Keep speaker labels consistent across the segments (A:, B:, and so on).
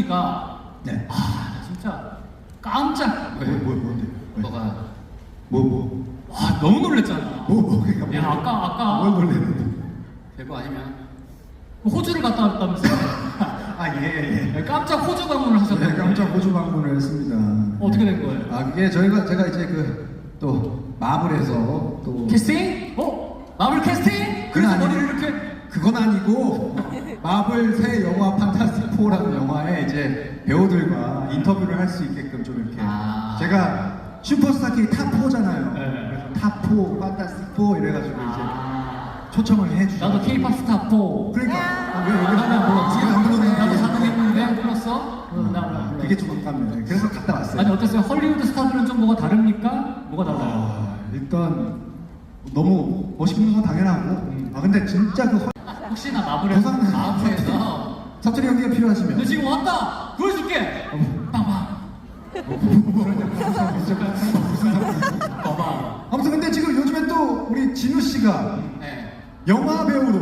A: 얘기가
B: 네.
A: 나 진짜 깜짝.
B: 뭔데?
A: 너가
B: 뭐?
A: 너무 놀랬잖아.
B: 그러니까
A: 야 아까
B: 뭘 놀랬는데?
A: 별거 아니면 호주를 갔다 왔다면서요?
B: 예.
A: 깜짝 호주 방문을 하셨는데.
B: 네, 깜짝 호주 방문을 했습니다.
A: 어떻게 된 거예요?
B: 그게 제가 이제 또 마블에서 또
A: 캐스팅? 마블 캐스팅? 그래서
B: 아니고,
A: 머리를 이렇게.
B: 그건 아니고 마블 새 영화 판타스틱 4라는 영화에 이제 배우들과 인터뷰를 할 수 있게끔 좀 이렇게 제가 슈퍼스타 K 탑 4잖아요.
A: 네.
B: 그래서 탑 4, 판타스틱 4 이래가지고 이제 초청을 해주죠.
A: 나도 K-pop 스타 4.
B: 그러니까 왜
A: 나도 불렀지?
B: 안 불렀는데?
A: 나도 가능했는데 불렀어? 나 불렀어.
B: 그게 좀 아깝네. 그래서 갔다 왔어요.
A: 아니 어땠어요? 헐리우드 스타들은 좀 뭐가 다릅니까? 뭐가 달라요?
B: 일단 너무 멋있는 건 당연하고 근데 진짜
A: 혹시나 마블에서
B: 사투리 연기가
A: 너
B: 필요하시면
A: 지금 왔다! 보여줄게! 빵빵! 봐봐.
B: 아무튼 근데 지금 요즘에 또 우리 진우 씨가
A: 네.
B: 영화 배우로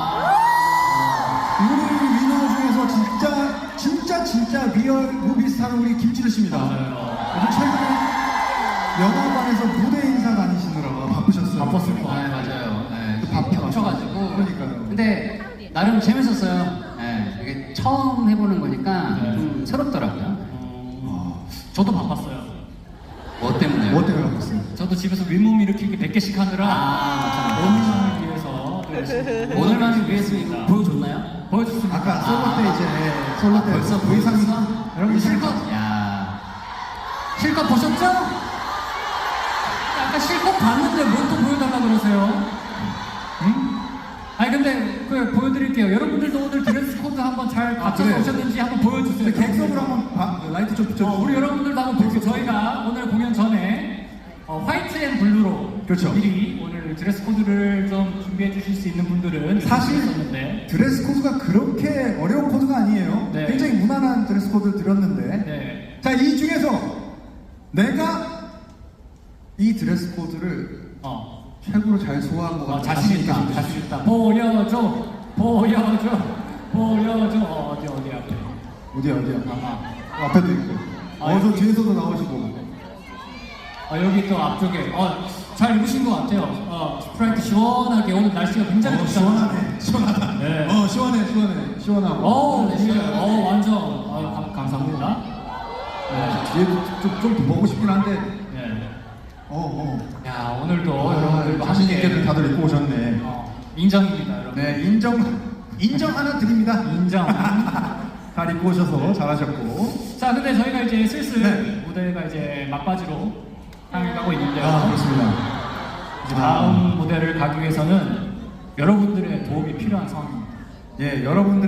B: 우리 위너 중에서 진짜 리얼 무비스타는 우리 김진우 씨입니다. 요즘 최근에 영화관에서 무대 인사 다니시느라고 바쁘셨어요.
A: 바빴을 거예요. 맞아요. 네, 겹쳐가지고.
B: 그러니까요.
C: 근데 나름 재밌었어요. 네, 이게 처음 해보는 거니까 좀 새롭더라고요.
A: 저도 바빴어요.
C: 뭐 때문에요?
B: 뭐 때문에 바빴어요?
A: 저도 집에서 윗몸 일으키기 100개씩 하느라 오늘만을 위해서 또 열심히
C: 오늘만을 위해서 이거 보여줬나요?
A: 보여줬습니다.
B: 아까 솔로 때 이제 솔로 때
C: 벌써
B: 의상이
A: 여러분 실컷
C: 야,
A: 실컷 보셨죠? 아까 실컷 봤는데 뭘 또 보여달라 그러세요? 응? 아니 근데 보여드릴게요. 여러분들도 오늘 드레스 코드 한번 잘 갖춰서
B: 그래요?
A: 오셨는지 한번 보여주세요.
B: 객석으로 한번 라이트 좀 비춰주세요.
A: 우리 여러분들도 한번 볼게요. 저희가 오늘 공연 전에 화이트 앤 블루로
B: 그렇죠.
A: 미리 오늘 드레스 코드를 좀 준비해 주실 수 있는 분들은
B: 사실
A: 있었는데
B: 드레스 코드가 그렇게 어려운 코드가 아니에요.
A: 네.
B: 굉장히 무난한 드레스 코드를 드렸는데
A: 네.
B: 자, 이 중에서 내가 이 드레스 코드를 최고로 잘 소화한 것 같아요.
A: 자신 있다. 보여줘. 어디 앞에.
B: 어디야? 앞에도 있고. 저 뒤에서도 나오시고.
A: 여기 또 앞쪽에. 잘 입으신 것 같아요. 스프라이트 시원하게 오늘 날씨가 굉장히 좋잖아요.
B: 시원하다.
A: 네.
B: 시원하고.
A: 완전. 감사합니다.
B: 뒤에도 좀 보고 싶긴 한데.
A: 네.
B: 야,
A: 오늘도 여러분들과
B: 자신
A: 함께
B: 있게 다들 입고 오셨네.
A: 인정입니다, 여러분.
B: 네, 인정 하나 드립니다.
A: 인정.
B: 잘 입고 오셔서 잘하셨고.
A: 자, 근데 저희가 이제 슬슬
B: 네.
A: 무대가 이제 막바지로 향해 가고 있는데요.
B: 그렇습니다.
A: 이제 다음 무대를 가기 위해서는 여러분들의 도움이 필요한 상황입니다.
B: 예, 여러분들.